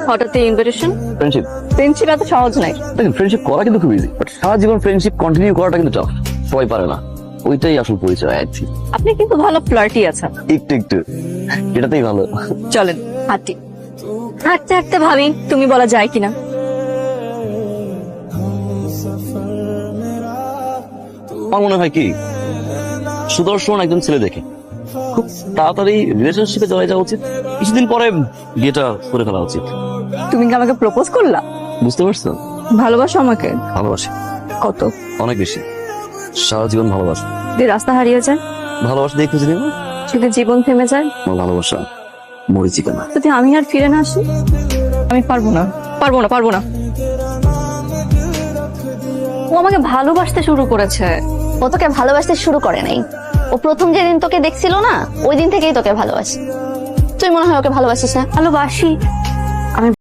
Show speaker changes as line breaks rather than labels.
হঠাৎ এই invitation?
Friendship.
Friendship এত সহজ নাই।
দেখেন ফ্রেন্ডশিপ করা কিন্তু খুব ইজি, বাট সারা জীবন ফ্রেন্ডশিপ কন্টিনিউ করাটা কিন্তু টাফ, সবাই পারে না। ওইটাই আসল পরিচয় আছি।
আপনি কিন্তু ভালো ফ্লার্টি আছেন।
একটু একটু, এটাতেই ভালো।
চলেন হাঁটি। হাঁটতে হাঁটতে ভাবি তুমি বলা যায় কিনা।
আমার মনে হয় কি, সুদর্শন একজন ছেলে দেখে খুব তাড়াতাড়ি রিলেশনশিপে চলে যাওয়া উচিত, কিছুদিন পরে বিয়েটা করে ফেলা উচিত।
তুমি কি আমাকে প্রপোজ করলা?
বুঝতে পারছো?
ভালোবাসো আমাকে?
ভালোবাসি,
কত?
অনেক বেশি, সারা জীবন ভালোবাসি।
যদি রাস্তা হারিয়ে যায়,
ভালোবাসা দিয়ে খুঁজে নিব।
যদি জীবন থেমে যায়,
আমার ভালোবাসা মরিচিকা না।
যদি আমি আর ফিরে না আসি? আমি পারবো না, পারবো না, পারবো না। ও আমাকে ভালোবাসতে শুরু করেছে।
ও তোকে ভালোবাসতে শুরু করে নাই, ও প্রথম যেদিন তোকে দেখছিল না ওই দিন থেকেই তোকে ভালোবাসে। তুই মনে হয় ওকে ভালোবাসিস না?
ভালোবাসি,